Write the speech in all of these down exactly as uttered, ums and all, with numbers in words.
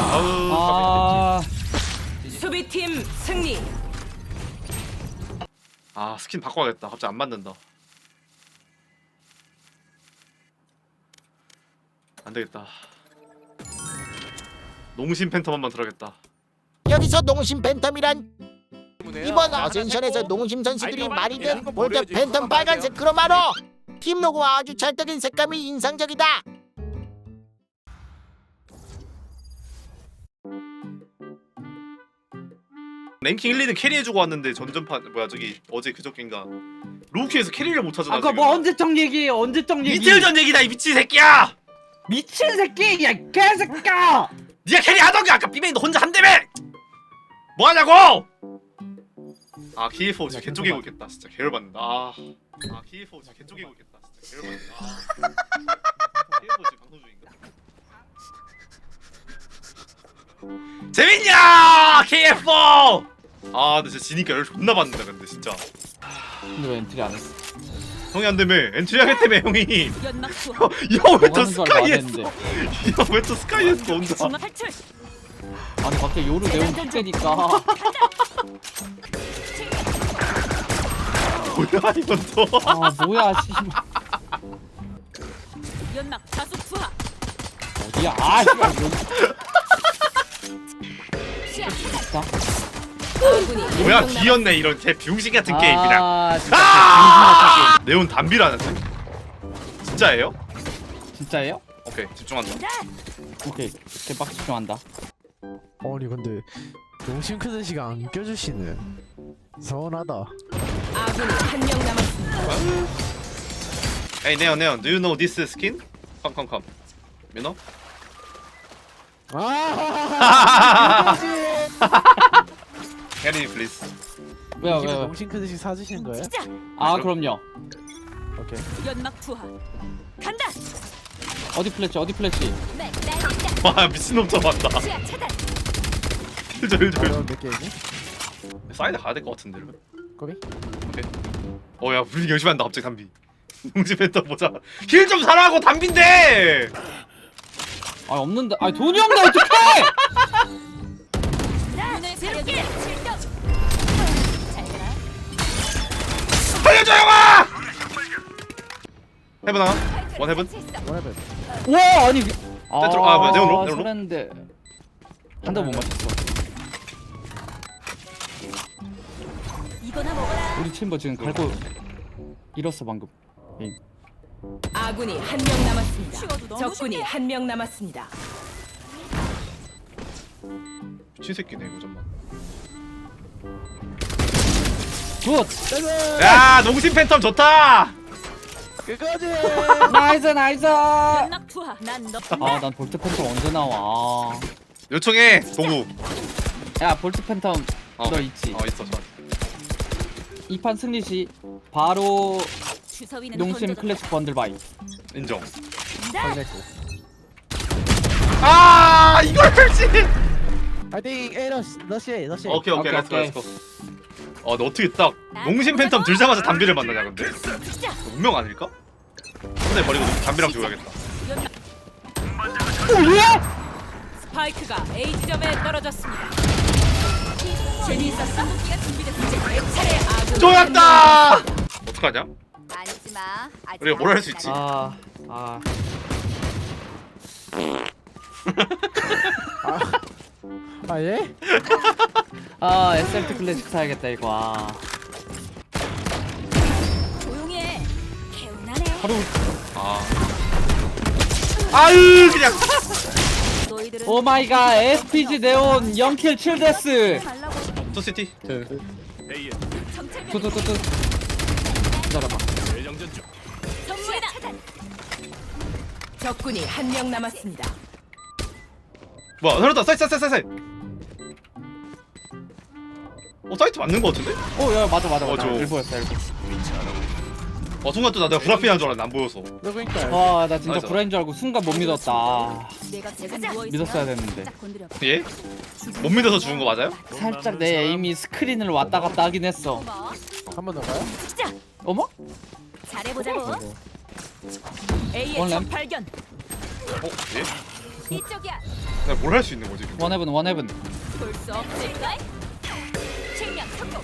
아우. 아, 수비팀 승리. 아 스킨 바꿔야겠다. 갑자기 안 맞는다. 안 되겠다. 농심 팬텀 한번 들어야겠다. 여기서 농심 팬텀이란 이번 어센션에서 농심 선수들이 많이 든 볼트 팬텀 빨간색 크로마로 팀 로고와 아주 찰떡인 색감이 인상적이다. 랭킹 일, 이등 캐리해주고 왔는데 전전판 뭐야 저기 어제 그저께인가 로우키에서 캐리를 못 하잖아. 아까 뭐 언제적 얘기? 언제적 얘기? 이틀 전 얘기다 이 미친 새끼야. 미친 새끼! 야 개새끼야! 네가 캐리 하던가 아까 비메인 너 혼자 한다며. 뭐 하냐고? 아 키에프 지금 개쪽이고 있겠다. 진짜 개열받는다. 아, 아 키에프 지금 개쪽이고 있겠다. 진짜 개열받는다. 아. 키에프 지금 방송 중인가? 재밌냐 케이에프! 아 근데 진짜 지니까 열 존나 받는다 근데 진짜. 근데 왜 엔트리 안 했어? 형이 안 되며 엔트리 하겠다며 형이. 연막 투하. 형 왜 또 하는 걸 스카이 했어? 말했는데. 형 왜 또 스카이 했어 혼자? 중앙 탈출. 아니 갑자기 요루 내용 킬때니까 뭐야 이건 또. 아 뭐야 씨발 연막 다수 투하. 어디야? 아 씨발 뭐 시야. 자. 아군이 뭐야 한명 비었네 이런 개 병신 같은 게임이랑. 아 진짜 아! 네온 담비라는데? 진짜예요? 진짜예요? 오케이 집중한다. 오케이 개빡 집중한다. 아니 근데 용심 크는 시간 안 껴주시네. 서운하다. 아군이 한 명 남았습니다. Hey 네온 네온, do you know this skin? Come come come. You know? 아! Carry please. 왜요 이게 왜요? 용심 크는 시 사주시는 거예요? 진짜. 아 그럼요. 오케이. 연막 투하. 간다. 어디 플래치 어디 플래치? 네, 날린다. 와 미친놈 잡았다. 시야 차단. 일절 일절. 어려운 몇 개이지? 사이드 가야 될 것 같은데 이러면. 거기? 오케이. 어야 분위기 열심히 한다 갑자기 담비. 농심 팬더 보자. 힐 좀 사라고 담비인데. 아 없는데. 아 돈이 없네 어떡해? 눈을 새롭게. 칠점. 잘 가라. 살려줘 형아. 해븐 하나. 원 해븐. 원해변. 와 아니. 아, 들어- 아, 뭐야, 네온로? 네온로? 설했는데 한 대 못 맞췄어. 이거나 먹어라. 우리 챔버 지금 갈고 잃었어 방금. 에임. 아군이 한 명 남았습니다. 쉬워도 너무 적군이 쉽게. 한 명 남았습니다. 미친 새끼네 이거 정말. 굿. 야 농심 팬텀 좋다. 끝까지. 나이스 나이스. 아 연막 투하. 난 너. 난 볼트 팬텀 언제 나와? 요청해 동우. 야 볼트 팬텀 어. 너 있지? 어 있어 저. 이 판 승리 시 바로 주서위는 농심 던져도 클래식 번들 바이. 인정. 걸렸고. 아 이걸 펼치. 파이팅. 에이 러시 러시 러시. 오케이 오케이 오케이, 렛츠고 오케이. 렛츠고. 어 너 어떻게 딱 농심 팬텀 들자마자 담비를 만나냐 근데? 운명 아닐까? 손에 버리고 담비랑 죽어야겠다. 스파이크가 A 지점에 떨어졌습니다. 재미있었어? 이제 내 차례 아군. 쪼였다. 어떡하냐? 만지마. 아직 우리가 뭘 할 수 있지? 아 아. 아 예? 아 에스엘티 클래식 사야겠다 이거. 아. 조용히 해. 개운하네. 하루. 아. 아유 그냥. 너희들은 오 마이 갓 에스피지 네온 영 킬 칠 데스. 말라고. 투시티. 투투투투. 기다려봐. 선물이다. 적군이 한 명 남았습니다. 뭐야 살았다. 사이트 사이트 사이트. 어 사이트 맞는 거 같은데? 오야 맞아 맞아 어, 맞아. 저- 일보였어 일보. 어 순간 또 나 내가 브라피한 줄 알았는데 안 보여서. 누구니까? 와나 진짜 맞아. 브라인 줄 알고 순간 못 믿었다. 아, 내가 지금 가자. 누워 있어. 믿었어야 됐는데. 살짝 건드려. 예? 못 믿어서 죽은 거 맞아요? 살짝 내 에임이 스크린을 왔다 갔다 하긴 했어. 뭐? 한 번 더 가요? 어머? 잘해보자고. A의 원래- 적 발견. 어? 예? 이쪽이야. 내가 뭘 할 수 있는 거지? 근데? 원해븐 원해븐. 볼 수 없을까? 측량 성공.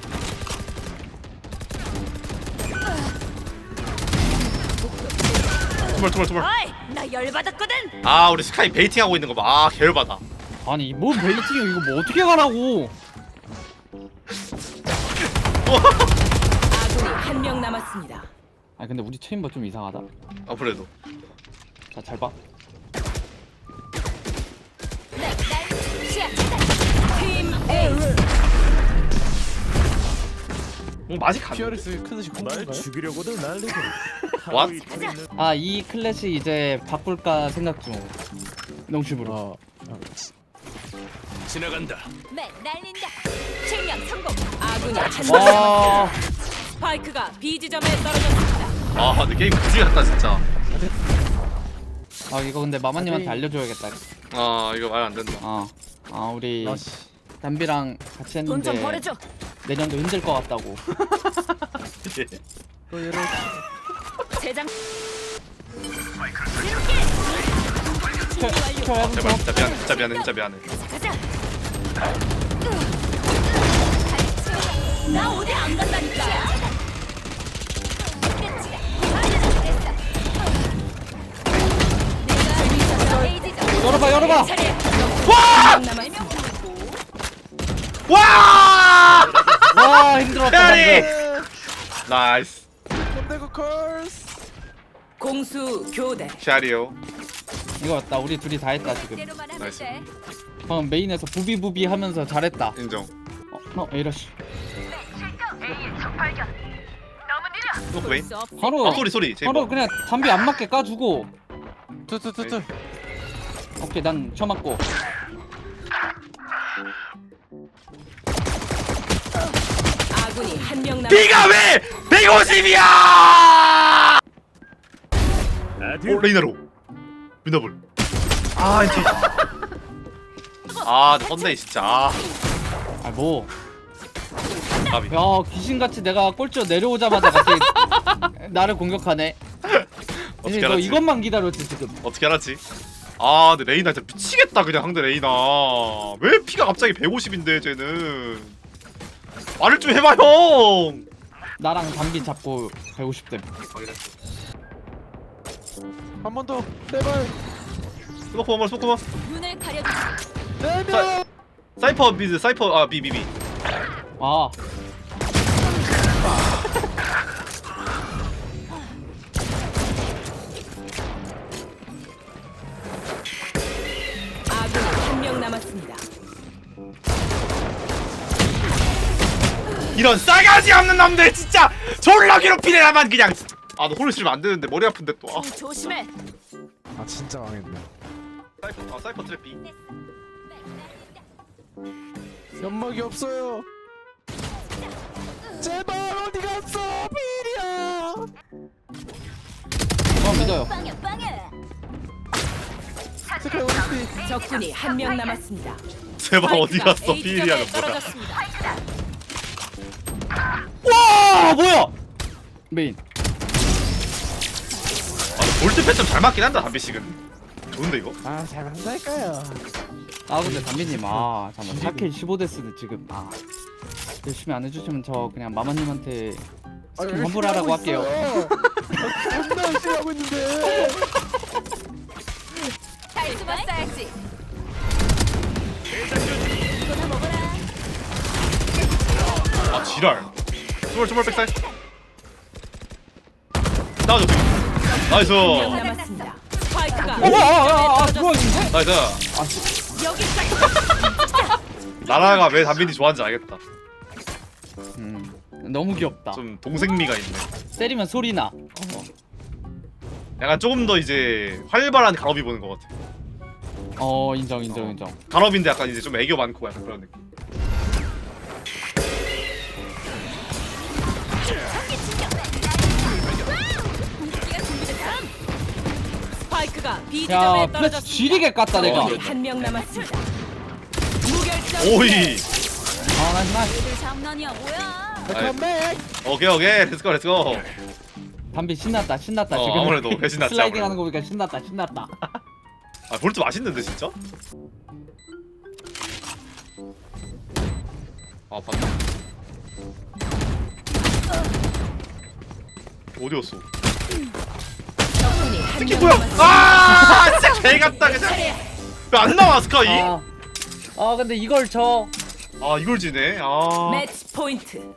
투벌 투벌 투벌. 어이, 나 열받았거든. 아 우리 스카이 베이팅 하고 있는 거 봐. 아 계열받아. 아니 뭐 벨리팅이 이거 뭐 어떻게 가라고? 아군이 한 명 남았습니다. 아 근데 우리 체인버 좀 이상하다. 아 그래도. 자 잘 봐. 네, 날 시야 차단. 팀 A. 뭐 맛이 가. 피어리스 크듯이 공인가요? 죽이려고도 난리고. What? 아 이 클래식 이제 바꿀까 생각 중. 농심으로. 어. 지나간다. 네, 날린다. 측량 성공. 아군이 한 명 와. 남았습니다. 스파이크가 B 지점에 떨어졌습니다. 아 근데 게임 그지 같다 진짜. 아 이거 근데 마마님한테 아니. 알려줘야겠다. 아 이거 말 안 된다. 아, 아 우리 러시. 담비랑 같이 돈 좀 했는데 벌어줘. 내년도 힘들 것 같다고. 또 얘를 재장. 제발 진짜 미안해 진짜 미안해 진짜 미안해. 가자. 나 어디 안 간다니까. 열어봐 열어봐. 와! 남았습니다. 와! 와 힘들었다 페어리! 방금. 나이스. 컴대고 컬스. 공수 교대. 샤리오. 이거였다. 우리 둘이 다 했다 지금. 대로만 하면 나이스. 돼. 방금 메인에서 부비부비 하면서 잘했다. 인정. 어, 어 에이러시. 스모크 메인. 볼수 없. 바로 아 소리 소리. 제이버. 바로 그냥 담비 안 맞게 까주고. 투투투투. 오케이 난 쳐맞고. 아군이 한 명 남았습니다. 비가 왜 백오십이야? 아들. 오 레이나로. 미너블. 아 이제. 아 썬데이 진짜. 아, 아 뭐. 까비. 야 귀신같이 내가 꼴찌로 내려오자마자 갑자기 나를 공격하네. 어떻게 이제 너 알았지? 이것만 기다렸지 지금. 어떻게 알았지? 아 근데 레이나 진짜 미치겠다 그냥 상대 레이나. 왜 피가 갑자기 백오십인데 쟤는. 말을 좀 해봐 형. 나랑 담비 잡고 백오십 댐. 한 번 더. 제발. 스모크 한번 스모크 한번. 눈을 가려주지. 네 자- 명. 사이퍼 미드 사이퍼 아 비 비 비. 아 아군이 한 명 남았습니다. 이런 싸가지 없는 놈들 진짜 졸라 괴롭히네 나만 그냥. 아 너 홀을 치면 안 되는데 머리 아픈데 또. 아. 조심해. 아 진짜 망했네. 사이퍼 아 사이퍼 트랩 비. 연막이 없어요. 제발 어디 갔어 비리야. 어 믿어요. 빵야 빵야. 스카이 오리피. 적군이 한 명 남았습니다. 제발 어디 스파이크가 갔어 A 비리야는 지점에 뭐야. 떨어졌습니다. 와 뭐야? 메인. 아 볼트 패점 잘 맞긴 한다 담비식은. 좋은데 이거? 아 잘한다니까요. 아 근데 담비님 아 잠깐 사 킬 십오 데스는 지금 아 열심히 안 해주시면 저 그냥 마마님한테 스킨 환불하라고 할게요. 존나 열심히 하고 있는데. 잘 숨었어야지. 이거 다 먹어라. 아 지랄. 스몰 스몰 백사이. 나와줘. 나이스. 한 명 남았습니다. 스파이크가 어, 아, 아, 아, 아, A 뭐야, 지점에 이거? 나이스. 여기까지. 나라가 왜 담빈이 좋아하는지 알겠다. 음 너무 귀엽다. 좀 동생미가 있네. 때리면 소리 나. 약간 조금 더 이제 활발한 간업이 보는 것 같아. 어 인정 인정 인정. 간업인데 약간 이제 좀 애교 많고 약간 그런 느낌. 공기가 준비됐어. 스파이크가 B 야 지점에 플래시 떨어졌습니다. 지리게 깠다 내가. 적군이 한 명 남았습니다. 무결점. 오이. 아 나이스 나이스. 얘들 장난이야 뭐야? 컴백. 오케이 오케이 렛츠고 렛츠고. 담비 신났다 신났다 어, 지금. 아무래도 배 신났지, 슬라이딩 아무래도. 하는 거 보니까 신났다 신났다. 아 볼트 맛있는데 진짜? 아 봤다. 어디였어? 적군이 한 이게 명 뭐야? 남았습니다. 아 진짜 개 같다 그냥. 왜 안 나와 스카이? 아, 아 근데 이걸 저 아 이걸 지네. 아. 매치 포인트.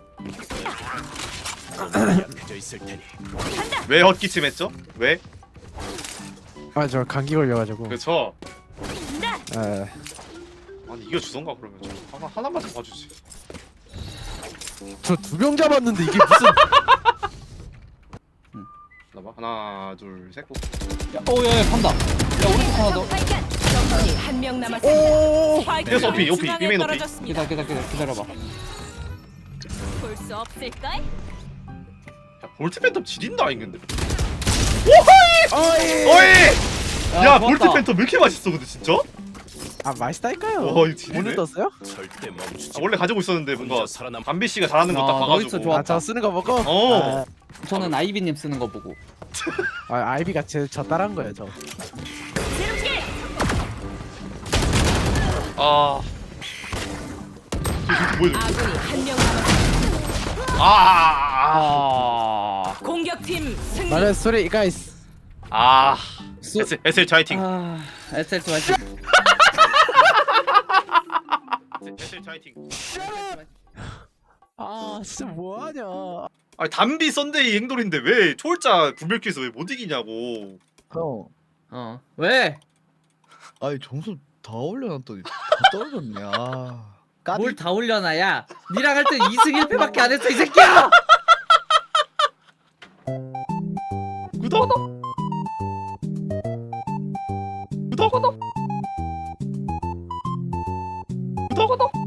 약해져 있을 테니. 왜 헛기침 했죠? 왜? 아 저 감기 걸려가지고. 그쵸? 예. 아니 이겨 주던가 그러면 좀 하나 하나만 좀 봐주지. 저 두 명 잡았는데 이게 무슨? 나봐 하나 둘 셋. 고. 오야야 판다. 야 오른쪽 하나 더. 발견. 적군이 한 명 남았습니다. 스파이크가 계속 오피, 오피, 중앙에 비메인 오피. 떨어졌습니다. 기다려 기다려 기다려 기다려봐. 볼 수 없을까? 야 볼트 팬텀 지린다 이건데. 어이. 어이. 야 볼트 좋았다. 팬텀 왜 이렇게 맛있어 근데 진짜? 아 맛있다니까요. 어 이거 지리네. 오늘 떴어요? 절대 멈추지. 아, 원래 가지고 있었는데 뭔가 혼자 살아남. 담비 씨가 잘하는 거 딱 아, 봐가지고. 너이스 좋아. 아 저 쓰는 거 보고. 어. 저는 아이비님 쓰는 거 보고. 아, 아 아이비가 제 저 따라한 거예요 저. 아. 저기 뭐야? 저기. 아군이 한 명 남았습니다. 아. 아. 아. 공격팀 승리. 말해 소리 가이스. 아. 수- 에스 에스엘 화이팅. 아, 에스엘트 화이팅. 에스엘 화이팅. 아 진짜 뭐하냐. 아니 담비 썬데이 행돌인데 왜 초월자 구별기에서 왜 못 이기냐고. 형, 어. 왜? 아니 점수 다 올려놨더니 다 떨어졌네. 아, 까비. 뭘 다 올려놔야? 니랑 할 때 이 승 일 패밖에 안 했어 이 새끼야. 구독. 구독. 구독. 구독.